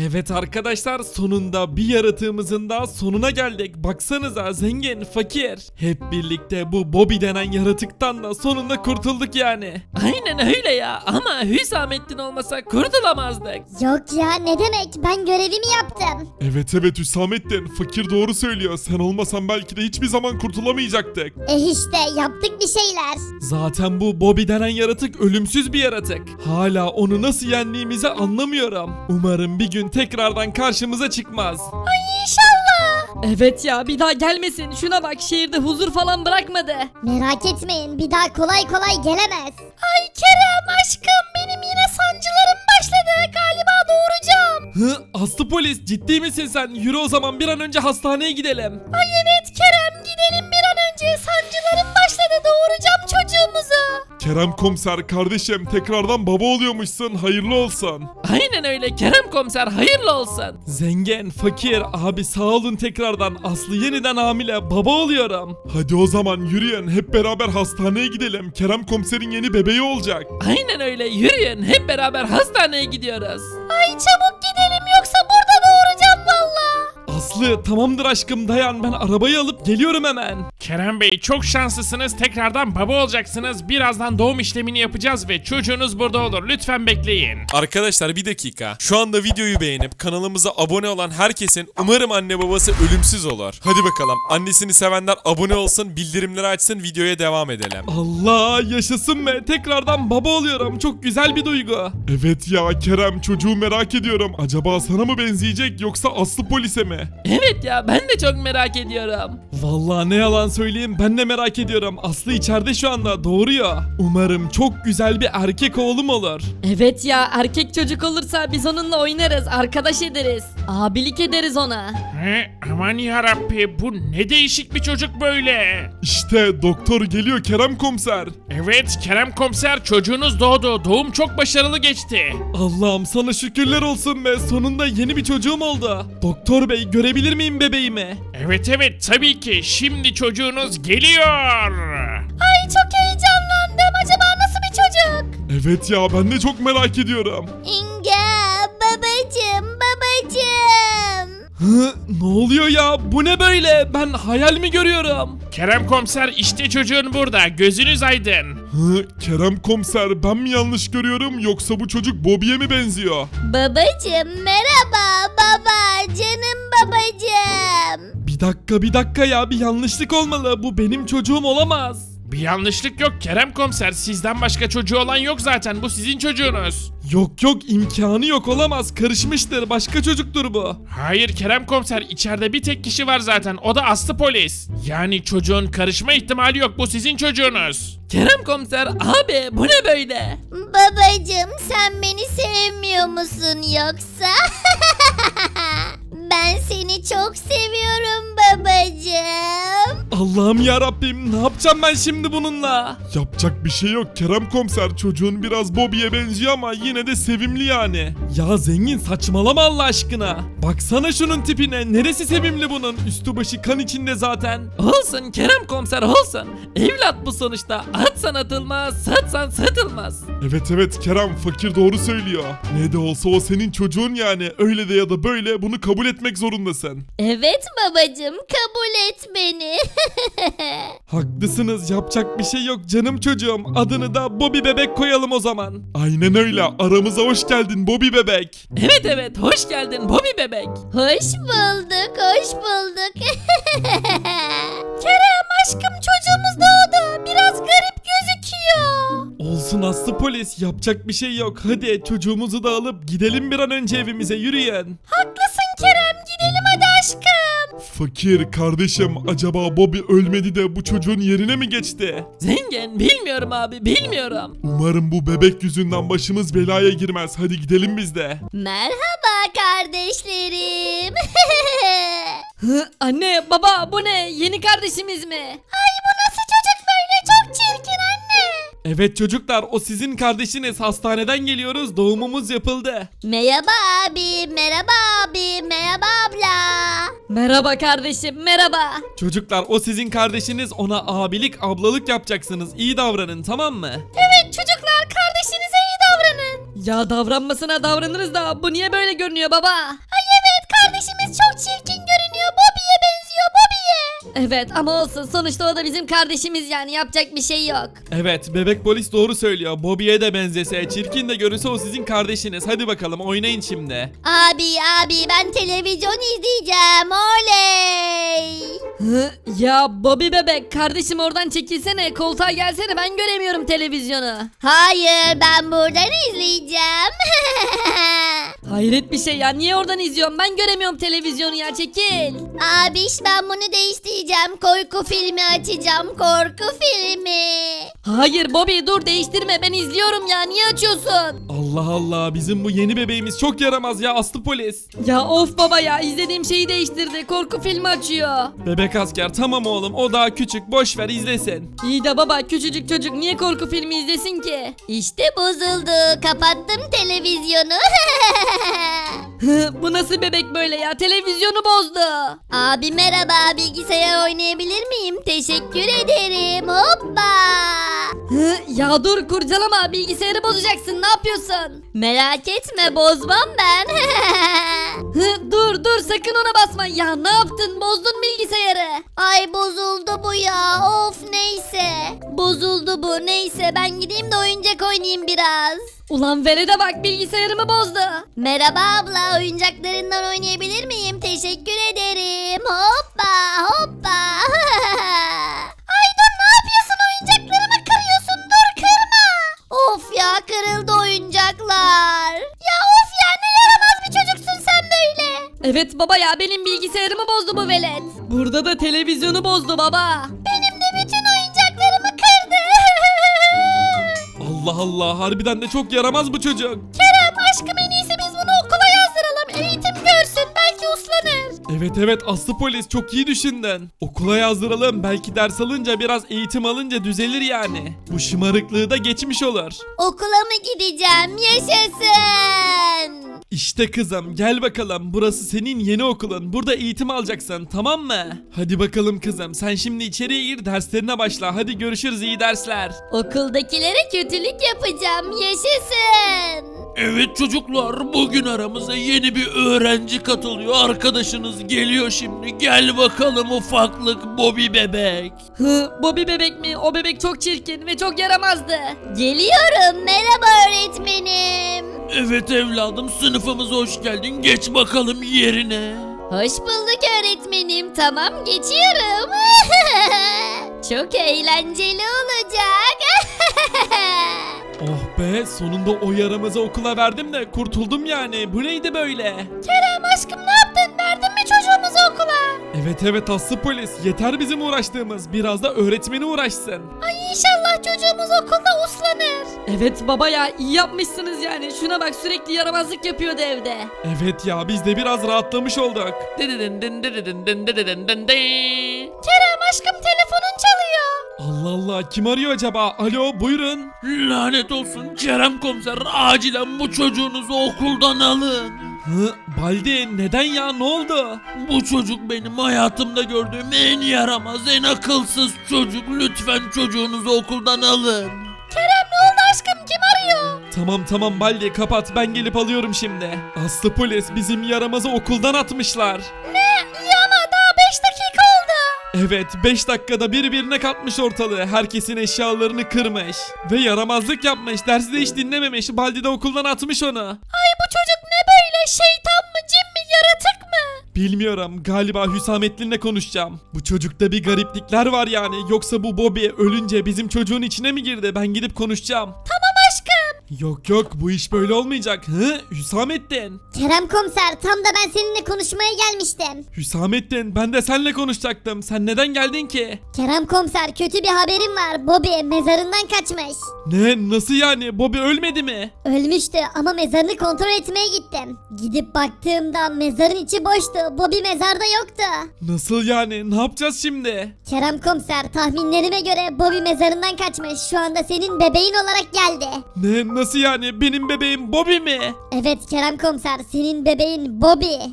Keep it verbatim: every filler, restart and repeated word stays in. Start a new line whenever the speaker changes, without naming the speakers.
Evet arkadaşlar, sonunda bir yaratığımızın daha sonuna geldik. Baksanıza, zengin, fakir. Hep birlikte bu Bobby denen yaratıktan da sonunda kurtulduk yani.
Aynen öyle ya ama Hüsamettin olmasa kurtulamazdık.
Yok ya, ne demek, ben görevimi yaptım.
Evet evet Hüsamettin, fakir doğru söylüyor. Sen olmasan belki de hiçbir zaman kurtulamayacaktık.
E işte yaptık bir şeyler.
Zaten bu Bobby denen yaratık ölümsüz bir yaratık. Hala onu nasıl yendiğimizi anlamıyorum. Umarım bir gün tekrardan karşımıza çıkmaz.
İnşallah.
Evet ya, bir daha gelmesin. Şuna bak, şehirde huzur falan bırakmadı.
Merak etmeyin, bir daha kolay kolay gelemez.
Ay Kerem aşkım benim yine sancılarım başladı galiba doğuracağım.
Hı, Aslı polis, ciddi misin sen? Yürü o zaman, bir an önce hastaneye gidelim.
Ay evet Kerem gidelim bir an önce sancılarım başladı doğuracağım çocuğumuzu.
Kerem komiser kardeşim, tekrardan baba oluyormuşsun, hayırlı olsun.
Aynen öyle Kerem komiser hayırlı olsun.
Zengin, fakir, abi sağ olun tekrardan. Aslı yeniden hamile, baba oluyorum.
Hadi o zaman yürüyün, hep beraber hastaneye gidelim. Kerem komiserin yeni bebeği olacak.
Aynen öyle yürüyün hep beraber hastaneye gidiyoruz. Ay çabuk gidelim yoksa burada doğuracağım valla.
Aslı, tamamdır aşkım, dayan, ben arabayı alıp geliyorum hemen.
Kerem Bey çok şanslısınız, tekrardan baba olacaksınız. Birazdan doğum işlemini yapacağız ve çocuğunuz burada olur. Lütfen bekleyin.
Arkadaşlar bir dakika. Şu anda videoyu beğenip kanalımıza abone olan herkesin umarım anne babası ölümsüz olur. Hadi bakalım. Annesini sevenler abone olsun, bildirimleri açsın, videoya devam edelim.
Allah, yaşasın be, tekrardan baba oluyorum. Çok güzel bir duygu.
Evet ya Kerem, çocuğu merak ediyorum. Acaba sana mı benzeyecek yoksa Aslı polise mi?
Evet ya ben de çok merak ediyorum.
Vallahi ne yalan söyleyeyim, ben de merak ediyorum. Aslı içeride şu anda, doğuruyor. Umarım çok güzel bir erkek oğlum olur.
Evet ya, erkek çocuk olursa biz onunla oynarız, arkadaş ederiz. Abilik ederiz ona.
He, aman yarabbi bu ne değişik bir çocuk böyle.
İşte doktor geliyor Kerem komiser.
Evet Kerem komiser çocuğunuz doğdu. Doğum çok başarılı geçti.
Allah'ım sana şükürler olsun be, sonunda yeni bir çocuğum oldu. Doktor bey, görebilir miyim bebeğimi?
Evet evet tabii ki şimdi çocuğunuz geliyor.
Ay çok heyecanlandım acaba nasıl bir çocuk?
Evet ya, ben de çok merak ediyorum.
İnga, babacım, babacım.
Hı, ne oluyor ya? Bu ne böyle? Ben hayal mi görüyorum?
Kerem komiser işte çocuğun burada, gözünüz aydın.
Hı, Kerem komiser, ben mi yanlış görüyorum yoksa bu çocuk Bobby'ye mi benziyor?
Babacım merhaba baba, canım babacım.
Bir dakika bir dakika ya, bir yanlışlık olmalı. Bu benim çocuğum olamaz.
Bir yanlışlık yok Kerem komiser, sizden başka çocuğu olan yok zaten, bu sizin çocuğunuz.
Yok yok, imkanı yok, olamaz. Karışmıştır, başka çocuktur bu.
Hayır Kerem komiser, içeride bir tek kişi var zaten, o da Aslı polis. Yani çocuğun karışma ihtimali yok, bu sizin çocuğunuz.
Kerem komiser abi bu ne böyle?
Babacım sen beni sevmiyor musun yoksa? Ben seni çok seviyorum babacım.
Allah'ım ya Rabbim, ne yapacağım ben şimdi bununla?
Yapacak bir şey yok Kerem komiser, çocuğun biraz Bobby'ye benziyor ama yine de sevimli yani.
Ya zengin, saçmalama Allah aşkına. Baksana şunun tipine, neresi sevimli bunun? Üstü başı kan içinde zaten.
Olsun Kerem komiser olsun. Evlat bu sonuçta. Atsan atılmaz, satsan satılmaz.
Evet evet Kerem, fakir doğru söylüyor. Ne de olsa o senin çocuğun yani, öyle de ya da böyle bunu kabul etmek zorundasın.
Evet babacım, kabul et beni.
Haklısınız, yapacak bir şey yok canım çocuğum. Adını da Bobby bebek koyalım o zaman.
Aynen öyle, aramıza hoş geldin Bobby bebek.
Evet evet hoş geldin Bobby bebek.
Hoş bulduk, hoş bulduk.
Kerem aşkım çocuğumuz doğdu. Biraz garip gözüküyor.
Olsun Aslı polis, yapacak bir şey yok. Hadi çocuğumuzu da alıp gidelim bir an önce evimize, yürüyün.
Haklısın Kerem gidelim hadi aşkım.
Fakir kardeşim, acaba Bobby ölmedi de bu çocuğun yerine mi geçti?
Zengin bilmiyorum abi bilmiyorum.
Umarım bu bebek yüzünden başımız belaya girmez. Hadi gidelim biz de.
Merhaba kardeşlerim.
Hı, anne, baba, bu ne? Yeni kardeşimiz mi?
Ay bu nasıl çocuk böyle, çok çirkin anne.
Evet çocuklar, o sizin kardeşiniz. Hastaneden geliyoruz, doğumumuz yapıldı.
Merhaba abi, merhaba abi, merhaba abla.
Merhaba kardeşim, merhaba.
Çocuklar, o sizin kardeşiniz, ona abilik ablalık yapacaksınız. İyi davranın, tamam mı?
Evet çocuklar kardeşinize iyi davranın.
Ya davranmasına davranırız da bu niye böyle görünüyor baba?
Ay evet, kardeşimiz çok çirkin görünüyor. Bobby'ye benziyor, Bobby'ye.
Evet ama olsun sonuçta o da bizim kardeşimiz yani yapacak bir şey yok.
Evet bebek polis doğru söylüyor. Bobby'ye de benzese, çirkin de görünse o sizin kardeşiniz. Hadi bakalım oynayın şimdi.
Abi abi ben televizyon izleyeceğim. Oley.
Hı? Ya Bobby bebek kardeşim oradan çekilsene koltuğa gelsene ben göremiyorum televizyonu.
Hayır, ben buradan izleyeceğim.
Hayret bir şey ya niye oradan izliyorum ben göremiyorum televizyonu ya çekil.
Abiş, ben bunu değiştireceğim. Korku filmi açacağım. Korku filmi.
Hayır Bobby dur değiştirme ben izliyorum ya niye açıyorsun?
Allah Allah, bizim bu yeni bebeğimiz çok yaramaz ya Aslı polis.
Ya of baba ya izlediğim şeyi değiştirdi korku filmi açıyor.
Bebek asker tamam oğlum, o daha küçük, boş ver izlesin.
İyi de baba küçücük çocuk niye korku filmi izlesin ki?
İşte bozuldu. Kapattım televizyonu.
Bu nasıl bebek böyle ya televizyonu bozdu.
Abi merhaba, bilgisayar oynayabilir miyim? Teşekkür ederim. Hoppa.
Hı, ya dur kurcalama bilgisayarı bozacaksın ne yapıyorsun?
Merak etme, bozmam ben.
Hı, dur dur sakın ona basma ya ne yaptın bozdun bilgisayarı.
Ay bozuldu bu ya. Of neyse. Bozuldu bu. Neyse ben gideyim de oyuncak oynayayım biraz.
Ulan Verede bak bilgisayarımı bozdu.
Merhaba abla, oyuncaklarından oynayabilir miyim? Teşekkür ederim. Hoppa hoppa. Ay dur, ne yapıyorsun? Oyuncaklarımı kırıyorsun. Dur kırma. Of ya, kırıldı oyuncaklar. Ya of ya, ne yaramaz bir çocuksun sen böyle.
Evet baba ya benim bilgisayarımı bozdu bu velet. Burada da televizyonu bozdu baba.
Benim de bütün oyuncaklarımı kırdı.
Allah Allah, harbiden de çok yaramaz bu çocuk.
Kerem aşkım, en iyisi biz bunu okula yazdıralım. Eğitim görsün, belki uslanır.
Evet evet Aslı polis, çok iyi düşündün. Okula yazdıralım, belki ders alınca biraz eğitim alınca düzelir yani. Bu şımarıklığı da geçmiş olur.
Okula mı gideceğim? Yaşasın.
İşte kızım gel bakalım, burası senin yeni okulun, burada eğitim alacaksın tamam mı? Hadi bakalım kızım, sen şimdi içeriye gir, derslerine başla, hadi görüşürüz, iyi dersler.
Okuldakilere kötülük yapacağım. Yaşasın.
Evet çocuklar bugün aramıza yeni bir öğrenci katılıyor. Arkadaşınız geliyor şimdi. Gel bakalım ufaklık Bobby bebek.
Hı, Bobby bebek mi? O bebek çok çirkin ve çok yaramazdı.
Geliyorum. Merhaba öğretmenim.
Evet evladım sınıfımıza hoş geldin. Geç bakalım yerine.
Hoş bulduk öğretmenim. Tamam, geçiyorum. Çok eğlenceli olacak.
Oh be, sonunda o yaramazı okula verdim de kurtuldum yani, bu neydi böyle?
Kerem aşkım, ne yaptın? Verdin mi çocuğumuzu okula?
Evet evet Aslı polis, yeter bizim uğraştığımız, biraz da öğretmeni uğraşsın.
Ay inşallah çocuğumuz okulda uslanır.
Evet baba ya iyi yapmışsınız yani. Şuna bak sürekli yaramazlık yapıyordu evde.
Evet ya, biz de biraz rahatlamış olduk.
Dededin din dededin din dededin din din.
Kerem aşkım, telefonun çalıyor.
Allah Allah, kim arıyor acaba? Alo, buyurun.
Lanet olsun Kerem komiser acilen bu çocuğunuzu okuldan alın.
Hı, Baldi neden ya, ne oldu?
Bu çocuk benim hayatımda gördüğüm en yaramaz, en akılsız çocuk. Lütfen çocuğunuzu okuldan alın.
Kerem ne oldu aşkım? Kim arıyor?
Tamam tamam Baldi, kapat, ben gelip alıyorum şimdi. Aslı polis, bizim yaramazı okuldan atmışlar.
Ne? İyi ama daha beş dakika oldu.
Evet, beş dakikada birbirine katmış ortalığı, herkesin eşyalarını kırmış. Ve yaramazlık yapmış, dersi de hiç dinlememiş, Baldi de okuldan atmış onu.
Ay bu çocuk ne böyle? Şeytan mı, cin mi, yaratık mı?
Bilmiyorum, galiba Hüsamettin'le konuşacağım. Bu çocukta bir gariplikler var yani, yoksa bu Bobby ölünce bizim çocuğun içine mi girdi? Ben gidip konuşacağım.
Tamam aşkım.
Yok yok, bu iş böyle olmayacak. Hı? Hüsamettin.
Kerem komiser, tam da ben seninle konuşmaya gelmiştim.
Hüsamettin, ben de seninle konuşacaktım. Sen neden geldin ki?
Kerem komiser, kötü bir haberim var. Bobby mezarından kaçmış.
Ne? Nasıl yani? Bobby ölmedi mi?
Ölmüştü ama mezarını kontrol etmeye gittim. Gidip baktığımda mezarın içi boştu. Bobby mezarda yoktu.
Nasıl yani? Ne yapacağız şimdi?
Kerem komiser, tahminlerime göre Bobby mezarından kaçmış. Şu anda senin bebeğin olarak geldi.
Ne? Nasıl yani? Benim bebeğim Bobby mi?
Evet Kerem komiser, senin bebeğin Bobby.